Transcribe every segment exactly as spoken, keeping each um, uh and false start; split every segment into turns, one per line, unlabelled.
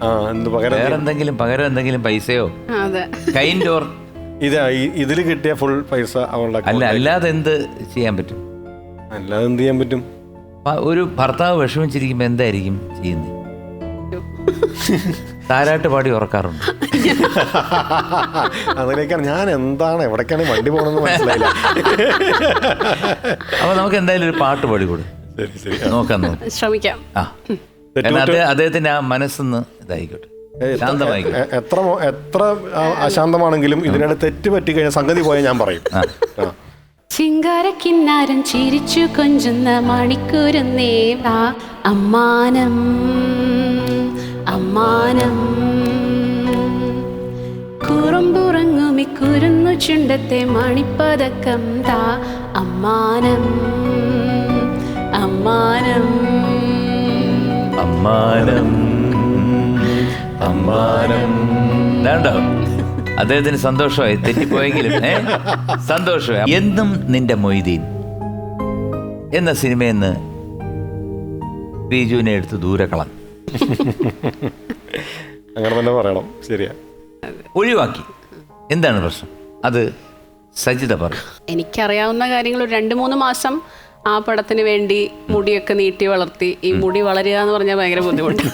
വേറെ എന്തെങ്കിലും പകരം എന്തെങ്കിലും പൈസയോ കൈൻഡ് ഓർ
ഇത് ഇതിൽ കിട്ടിയ ഫുൾ പൈസ അവളുടെ
അല്ല. അല്ലാതെ എന്ത് ചെയ്യാൻ പറ്റും?
അല്ലാതെ എന്ത് ചെയ്യാൻ പറ്റും?
ഒരു ഭർത്താവ് വിഷമിച്ചിരിക്കുമ്പോ എന്തായിരിക്കും ചെയ്യുന്നത്? താരാട്ട് പാടി ഉറക്കാറുണ്ട്.
അതിലേക്കാണ് ഞാൻ എന്താണ് എവിടേക്കാണ് വണ്ടി പോകണമെന്ന് മനസ്സിലായില്ല.
അപ്പൊ നമുക്ക് എന്തായാലും ഒരു പാട്ട് പാടിക്കൂടെ? നോക്കാം, ശ്രമിക്കാം. ആ, അദ്ദേഹത്തിന്റെ ആ മനസ്സൊന്ന് ഇതായിക്കോട്ടെ, ശാന്തമായിക്കോട്ടെ.
എത്ര എത്ര അശാന്തമാണെങ്കിലും ഇതിനിടെ തെറ്റ് പറ്റി കഴിഞ്ഞാൽ സംഗതി പോയാൽ ഞാൻ പറയും.
ചിങ്കാരക്കിന്നാരം ചിരിച്ചു കൊഞ്ചുന്ന മണിക്കൂരുന്നേ വാ അമ്മാനം അമ്മാനം കുറുമ്പുറങ്ങുമി കുരുന്നു ചുണ്ടത്തെ മണിപ്പതക്കം താ അമ്മാനം അമ്മാനം
അമ്മാനം അമ്മാനം. വേണ്ടോ? അദ്ദേഹത്തിന് സന്തോഷമായി, തെറ്റിപ്പോയെങ്കിലും ഏ സന്തോഷമായി. എന്നും നിന്റെ മൊയ്തീൻ എന്ന സിനിമയെന്ന് ബിജുവിനെ എടുത്ത് ദൂരെ കളഞ്ഞു.
അങ്ങനെ തന്നെ പറയണം. ശരിയാ,
ഒഴിവാക്കി. എന്താണ് പ്രശ്നം? അത് സജിത പറയും.
എനിക്കറിയാവുന്ന കാര്യങ്ങൾ ഒരു രണ്ട് മൂന്ന് മാസം ആ പടത്തിന് വേണ്ടി മുടിയൊക്കെ നീട്ടി വളർത്തി. ഈ മുടി വളരുക എന്ന് പറഞ്ഞാൽ ഭയങ്കര ബുദ്ധിമുട്ട്.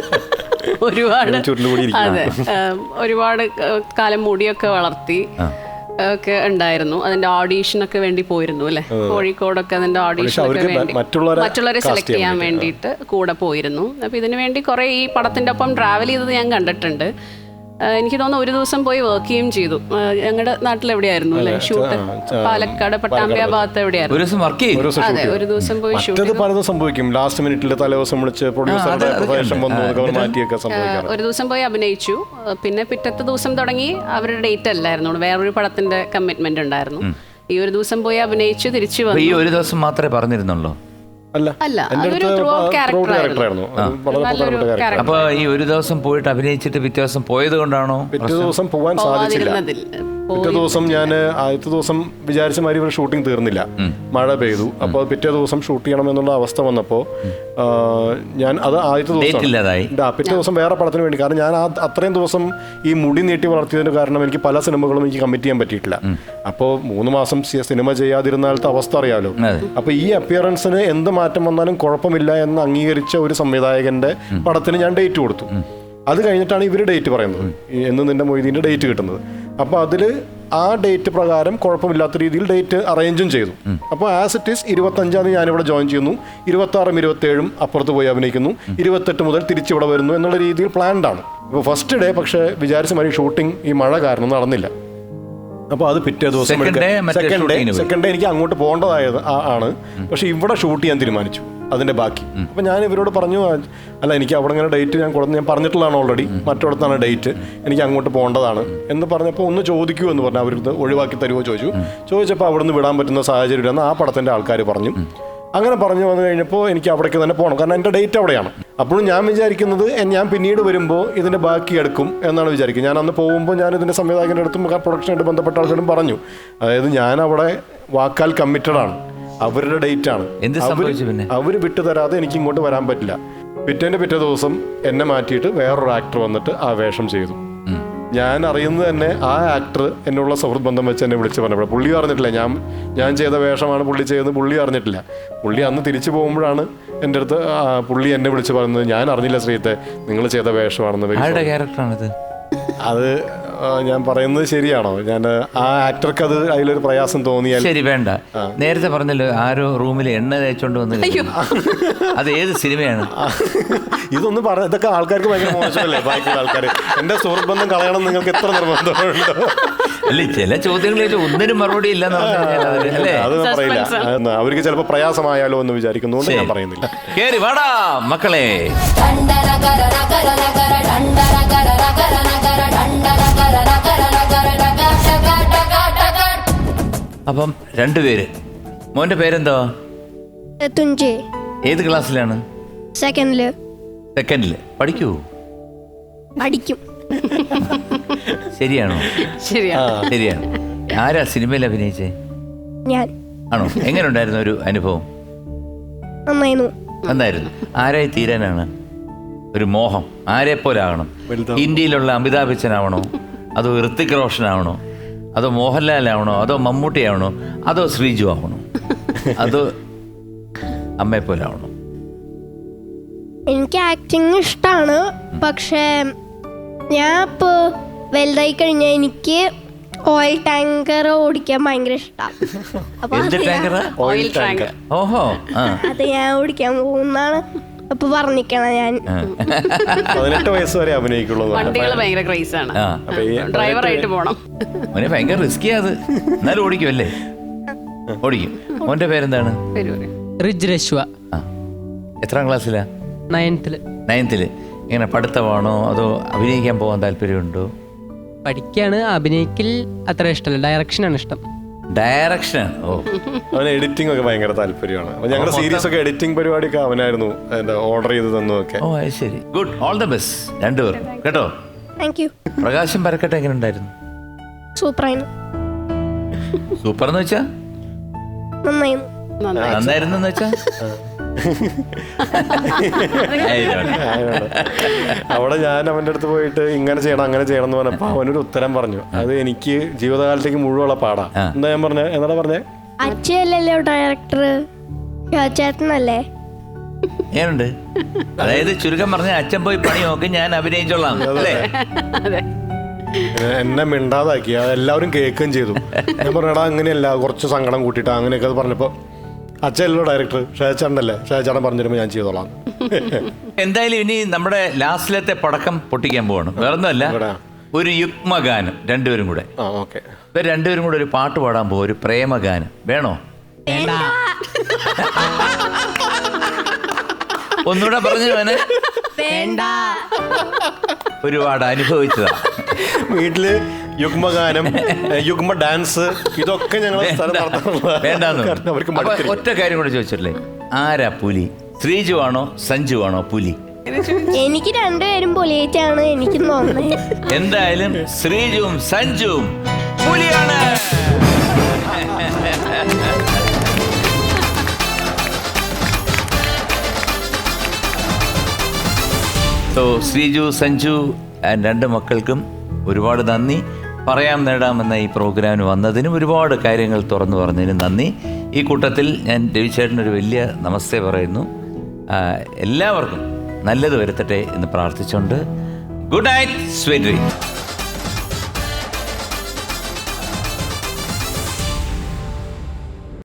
ഒരുപാട് അതെ ഒരുപാട് കാലം മുടിയൊക്കെ വളർത്തി ഒക്കെ ഉണ്ടായിരുന്നു. അതിന്റെ ഓഡീഷനൊക്കെ വേണ്ടി പോയിരുന്നു അല്ലെ, കോഴിക്കോടൊക്കെ അതിന്റെ ഓഡീഷനൊക്കെ വേണ്ടി മറ്റുള്ളവരെ സെലക്ട് ചെയ്യാൻ വേണ്ടിയിട്ട് കൂടെ പോയിരുന്നു. അപ്പൊ ഇതിനു വേണ്ടി കുറെ ഈ പടത്തിന്റെ ഒപ്പം ട്രാവൽ ചെയ്തത് ഞാൻ കണ്ടിട്ടുണ്ട്. എനിക്ക് തോന്നുന്നു ഒരു ദിവസം പോയി വർക്ക് ചെയ്യുകയും ചെയ്തു. ഞങ്ങളുടെ നാട്ടിൽ എവിടെയായിരുന്നു അല്ലെ ഷൂട്ട്? പാലക്കാട് പട്ടാമ്പിയ ഭാഗത്ത് എവിടെയായിരുന്നു? അതെ, ഒരു ദിവസം പോയി ഷൂട്ട്.
പലതും സംഭവിക്കും. ലാസ്റ്റ് മിനിറ്റിൽ തലേദിവസം വിളിച്ച് പ്രൊഡ്യൂസറുടെ മാറ്റിയൊക്കെ സംഭവിക്കാം.
ഒരു ദിവസം പോയി അഭിനയിച്ചു. പിന്നെ പിറ്റത്തെ ദിവസം തുടങ്ങി അവരുടെ ഡേറ്റ് അല്ലായിരുന്നു, വേറൊരു പടത്തിന്റെ കമ്മിറ്റ്മെന്റ് ഉണ്ടായിരുന്നു. ഈ ഒരു ദിവസം പോയി അഭിനയിച്ചു തിരിച്ചു വന്നു.
ഈ ഒരു ദിവസം മാത്രമേ പറഞ്ഞിരുന്നുള്ളൂ?
അല്ല, അതൊരു ത്രൂ ഔട്ട് ക്യാരക്ടറായിരുന്നു.
അപ്പൊ ഈ ഒരു ദിവസം പോയിട്ട് അഭിനയിച്ചിട്ട് പിറ്റേ ദിവസം പോയത് കൊണ്ടാണോ?
പിറ്റേ ദിവസം പോവാൻ സാധിച്ചില്ല. പിറ്റേ ദിവസം ഞാൻ ആദ്യത്തെ ദിവസം വിചാരിച്ച മാതിരി ഇവർ ഷൂട്ടിംഗ് തീർന്നില്ല, മഴ പെയ്തു. അപ്പോൾ പിറ്റേ ദിവസം ഷൂട്ട് ചെയ്യണം എന്നുള്ള അവസ്ഥ വന്നപ്പോൾ ഞാൻ അത് ആദ്യത്തെ ദിവസം പിറ്റേ ദിവസം വേറെ പടത്തിന് വേണ്ടി, കാരണം ഞാൻ അത്രയും ദിവസം ഈ മുടി നീട്ടി വളർത്തിയതിന് കാരണം എനിക്ക് പല സിനിമകളും എനിക്ക് കമ്മിറ്റ് ചെയ്യാൻ പറ്റിയിട്ടില്ല. അപ്പോൾ മൂന്ന് മാസം സിനിമ ചെയ്യാതിരുന്നാലത്തെ അവസ്ഥ അറിയാലോ. അപ്പോൾ ഈ അപ്പിയറൻസിന് എന്ത് മാറ്റം വന്നാലും കുഴപ്പമില്ല എന്ന് അംഗീകരിച്ച ഒരു സംവിധായകന്റെ പടത്തിന് ഞാൻ ഡേറ്റ് കൊടുത്തു. അത് കഴിഞ്ഞിട്ടാണ് ഇവർ ഡേറ്റ് പറയുന്നത്, എന്ന് നിന്റെ മൊയ്തീൻ്റെ ഡേറ്റ് കിട്ടുന്നത്. അപ്പോൾ അതിൽ ആ ഡേറ്റ് പ്രകാരം കുഴപ്പമില്ലാത്ത രീതിയിൽ ഡേറ്റ് അറേഞ്ചും ചെയ്തു. അപ്പോൾ ആസ് ഇറ്റ് ഈസ് ഇരുപത്തഞ്ചാം തീയതി ഞാനിവിടെ ജോയിൻ ചെയ്യുന്നു, ഇരുപത്താറും ഇരുപത്തേഴും അപ്പുറത്ത് പോയി അഭിനയിക്കുന്നു, ഇരുപത്തെട്ട് മുതൽ തിരിച്ചിവിടെ വരുന്നു എന്നുള്ള രീതിയിൽ പ്ലാൻഡ് ആണ്. അപ്പോൾ ഫസ്റ്റ് ഡേ പക്ഷേ വിചാരിച്ച മാതിരി ഷൂട്ടിംഗ് ഈ മഴ കാരണം നടന്നില്ല. അപ്പോൾ അത് പിറ്റേ ദിവസം സെക്കൻഡ് ഡേ സെക്കൻഡ് ഡേ എനിക്ക് അങ്ങോട്ട് പോകേണ്ടതായത് ആണ്. പക്ഷെ ഇവിടെ ഷൂട്ട് ചെയ്യാൻ തീരുമാനിച്ചു അതിന്റെ ബാക്കി. അപ്പം ഞാൻ ഇവരോട് പറഞ്ഞു, അല്ല എനിക്ക് അവിടെ ഇങ്ങനെ ഡേറ്റ് ഞാൻ കൊടുത്ത് ഞാൻ പറഞ്ഞിട്ടുള്ളതാണ് ഓൾറെഡി, മറ്റിടത്താണ് ഡേറ്റ്, എനിക്ക് അങ്ങോട്ട് പോകേണ്ടതാണ് എന്ന് പറഞ്ഞപ്പോൾ ഒന്ന് ചോദിക്കൂ എന്ന് പറഞ്ഞു. അവർക്ക് ഒഴിവാക്കി തരുമോ ചോദിച്ചു. ചോദിച്ചപ്പോൾ അവിടെ നിന്ന് വിടാൻ പറ്റുന്ന സാഹചര്യം ഇല്ലെന്ന് ആ പടത്തിൻ്റെ ആൾക്കാർ പറഞ്ഞു. അങ്ങനെ പറഞ്ഞു വന്നു കഴിഞ്ഞപ്പോൾ എനിക്ക് അവിടേക്ക് തന്നെ പോകണം, കാരണം എൻ്റെ ഡേറ്റ് അവിടെയാണ്. അപ്പോഴും ഞാൻ വിചാരിക്കുന്നത് ഞാൻ പിന്നീട് വരുമ്പോൾ ഇതിൻ്റെ ബാക്കി എടുക്കും എന്നാണ് വിചാരിക്കുന്നത്. ഞാൻ അന്ന് പോകുമ്പോൾ ഞാൻ ഇതിൻ്റെ സംവിധായകൻ്റെ അടുത്തും പ്രൊഡക്ഷനായിട്ട് ബന്ധപ്പെട്ട ആൾക്കാരും പറഞ്ഞു, അതായത് ഞാൻ അവിടെ വാക്കാൽ കമ്മിറ്റഡ് ആണ്, അവരുടെ ഡേറ്റ് ആണ്, അവർ വിട്ടുതരാതെ എനിക്ക് ഇങ്ങോട്ട് വരാൻ പറ്റില്ല. പിറ്റേൻ്റെ പിറ്റേ ദിവസം എന്നെ മാറ്റിയിട്ട് വേറൊരു ആക്ടർ വന്നിട്ട് ആ വേഷം ചെയ്തു. ഞാൻ അറിയുന്നത് തന്നെ ആ ആക്ടർ എന്നുള്ള സുഹൃത്ത് ബന്ധം വെച്ച് എന്നെ വിളിച്ച് പറഞ്ഞപ്പോൾ പുള്ളി അറിഞ്ഞിട്ടില്ല ഞാൻ ഞാൻ ചെയ്ത വേഷമാണ് പുള്ളി ചെയ്തത്, പുള്ളി അറിഞ്ഞിട്ടില്ല. പുള്ളി അന്ന് തിരിച്ചു പോകുമ്പോഴാണ് എൻ്റെ അടുത്ത് പുള്ളി എന്നെ വിളിച്ച് പറയുന്നത്, ഞാൻ അറിഞ്ഞില്ല ശ്രീത്തെ നിങ്ങൾ ചെയ്ത വേഷമാണെന്ന്. അത് ഞാൻ പറയുന്നത് ശരിയാണോ? ഞാൻ ആ ആക്ടർക്ക് അത് അതിലൊരു പ്രയാസം തോന്നിയാൽ
ശരി വേണ്ട. നേരത്തെ പറഞ്ഞല്ലോ ആരോ റൂമിൽ എണ്ണ തേച്ചോണ്ട് വന്ന്, അത് ഏത് സിനിമയാണ്?
ഇതൊന്നും പറഞ്ഞ ഇതൊക്കെ ആൾക്കാർക്ക് ഭയങ്കര മോശമല്ലേ? ബാക്കിയുള്ള ആൾക്കാർ എൻ്റെ സുഹൃത്ത് ബന്ധം കളയണം നിങ്ങൾക്ക് എത്ര നിർബന്ധമുണ്ടോ?
അല്ലേ, ചില ചോദ്യങ്ങളിൽ ഒന്നിനും മറുപടി ഇല്ലെന്ന്
അത് പറയില്ല. അവർക്ക് ചിലപ്പോൾ പ്രയാസമായാലോ എന്ന് വിചാരിക്കുന്നതുകൊണ്ട് ഞാൻ പറയുന്നില്ല.
കേറി വാടാ മക്കളെ. അപ്പം രണ്ടുപേര്. മോന്റെ പേരെന്തോ? ഏത് ക്ലാസ്സിലാണ്?
സെക്കൻഡില്.
സെക്കൻഡില്. പഠിക്കൂ?
പഠിക്കും.
ശരിയാണോ? ശരിയാണ്. ആരാ സിനിമയിൽ അഭിനയിച്ചേ?
ഞാൻ.
ആണോ? എങ്ങനെ ഉണ്ടായിരുന്നു ഒരു അനുഭവം?
നന്നായിരുന്നു.
നന്നായിരുന്നു. ആരായി തീരാനാണ്? ഒരു മോഹം ആരെ പോലെ ആകണം? ഇന്ത്യയിലുള്ള അമിതാഭ് ബച്ചൻ ആവണോ, അതോ ഋത്തിക് റോഷൻ ആവണോ, അതോ മോഹൻലാൽ ആവണോ, അതോ മമ്മൂട്ടി ആവണോ, അതോ ശ്രീജു ആവണോ, അതോ അമ്മയെ പോലെ ആവണോ?
എനിക്ക് ആക്ടിങ് ഇഷ്ടമാണ്. പക്ഷേ ഞാൻ ഇപ്പോൾ വലുതായി കഴിഞ്ഞാൽ എനിക്ക് ഓയിൽ ടാങ്കർ ഓടിക്കാൻ ഭയങ്കര ഇഷ്ടമാണ്. അപ്പൊ
എന്ത് ടാങ്കറാ?
Oil tanker.
ഓഹോ, ആ
അത് ഞാൻ ഓടിക്കാൻ പോകുന്നാണ് അപ്പൊ പറഞ്ഞിരിക്കണം. ഞാൻ
പതിനെട്ട് വയസ്സ് വരെ അഭിനയിക്കുള്ളൂ.
വണ്ടികൾ ഭയങ്കര ക്രൈസ് ആണ്.
ആ
ഡ്രൈവറായിട്ട് പോണം.
മോനെ ഭയങ്കര റിസ്കിയാ അത്. എന്നാലും ഓടിക്കും അല്ലേ? ഓടിക്കും. മോന്റെ പേരെന്താണ്?
റിജ് രശ്വ.
ആ, എത്രാം ക്ലാസ്സിലാ?
നയൻത്തില്.
നയൻത്തില്. ഇങ്ങനെ പഠിത്തമാണോ അതോ അഭിനയിക്കാൻ പോകാൻ താല്പര്യമുണ്ടോ?
പഠിക്കാണ്, അഭിനയിക്കൽ അത്ര ഇഷ്ടമല്ല, ഡയറക്ഷനാണ് ഇഷ്ടം.
ഡയറക്ഷൻ. ഓ,
അവന് എഡിറ്റിംഗ് ഒക്കെ ഭയങ്കര താല്പര്യമാണ്. അപ്പൊ ഞങ്ങളുടെ സീരീസ് ഒക്കെ എഡിറ്റിംഗ് പരിപാടിയൊക്കെ അവനായിരുന്നു എന്താ ഓർഡർ ചെയ്ത് തന്നതൊക്കെ.
ഓ അത് ശരി. ഗുഡ്, ഓൾ ദ ബെസ്റ്റ് രണ്ടുപേരും കേട്ടോ.
Thank you.
പ്രകാശം പരക്കട്ടെ എങ്ങനെ ഉണ്ടായിരുന്നു?
സൂപ്പറായിരുന്നു.
സൂപ്പർ എന്ന് വെച്ചാ
നന്നായിരുന്നു.
നന്നായിരുന്നു എന്ന് വെച്ചാ
അവിടെ ഞാൻ അവൻ്റെ അടുത്ത് പോയിട്ട് ഇങ്ങനെ ചെയ്യണം അങ്ങനെ ചെയ്യണം എന്ന് പറഞ്ഞപ്പോ അവനൊരു ഉത്തരം പറഞ്ഞു. അത് എനിക്ക് ജീവിതകാലത്തേക്ക് മുഴുവനുള്ള പാടാ. എന്താ ഞാൻ പറഞ്ഞേ? എന്താ പറഞ്ഞേ?
അച്ഛയല്ലല്ലോ ഡയറക്ടർ, ചേട്ടനല്ലേ?
ഏനുണ്ട്. അതായത് ചുരുക്കം പറഞ്ഞ അച്ഛൻ പോയി പണി നോക്കി, ഞാൻ അഭിനയിച്ചോളാം അല്ലേ?
എന്നെ മിണ്ടാതാക്കി. അതെല്ലാവരും കേൾക്കുകയും ചെയ്തു. ഞാൻ പറഞ്ഞടാ അങ്ങനെയല്ല, കുറച്ച് സങ്കടം കൂട്ടിയിട്ട് അങ്ങനെയൊക്കെ അത് പറഞ്ഞപ്പോ അച്ഛനല്ലോ ഡയറക്ടർ, ഷാജാനല്ലേ, ഷാജാൻ പറഞ്ഞു തരുമ്പോൾ ഞാൻ ചെയ്തോളാം.
എന്തായാലും ഇനി നമ്മുടെ ലാസ്റ്റിലത്തെ പടക്കം പൊട്ടിക്കാൻ പോവാണ്. വേറൊന്നുമല്ല, ഒരു യുഗ്മഗാനം രണ്ടുപേരും കൂടെ.
ആ ഓക്കെ.
ഇപ്പൊ രണ്ടുപേരും കൂടെ ഒരു പാട്ട് പാടാൻ പോവാ, ഒരു പ്രേമഗാനം. വേണോ? ഒന്നുകൂടെ പറഞ്ഞു വേണേ. ഒരുപാട് അനുഭവിച്ചതാ
വീട്ടില് യുഗ്മഗാനം, യുഗ്മ ഡാൻസ്, ഇതൊക്കെ ഞങ്ങൾ
വേണ്ടെന്ന്.
അവർക്ക്
ഒറ്റ കാര്യം കൂടെ ചോദിച്ചില്ലേ, ആരാ പുലി? ശ്രീജു ആണോ സഞ്ജു ആണോ പുലി?
എനിക്ക് രണ്ടുപേരും പൊലിയേറ്റാണ് എനിക്ക് തോന്നുന്നത്.
എന്തായാലും ശ്രീജുവും സഞ്ജുവും പുലിയാണ്. സോ ശ്രീജു, സഞ്ജു ആൻഡ് രണ്ട് മക്കൾക്കും ഒരുപാട് നന്ദി. പറയാം നേടാമെന്ന ഈ പ്രോഗ്രാമിന് വന്നതിനും ഒരുപാട് കാര്യങ്ങൾ തുറന്നു പറഞ്ഞതിനും നന്ദി. ഈ കൂട്ടത്തിൽ ഞാൻ രവിചേട്ടനൊരു വലിയ നമസ്തേ പറയുന്നു. എല്ലാവർക്കും നല്ലത് വരുത്തട്ടെ എന്ന് പ്രാർത്ഥിച്ചുകൊണ്ട് ഗുഡ് നൈറ്റ്, സ്വീറ്റ് ഡ്രീംസ്.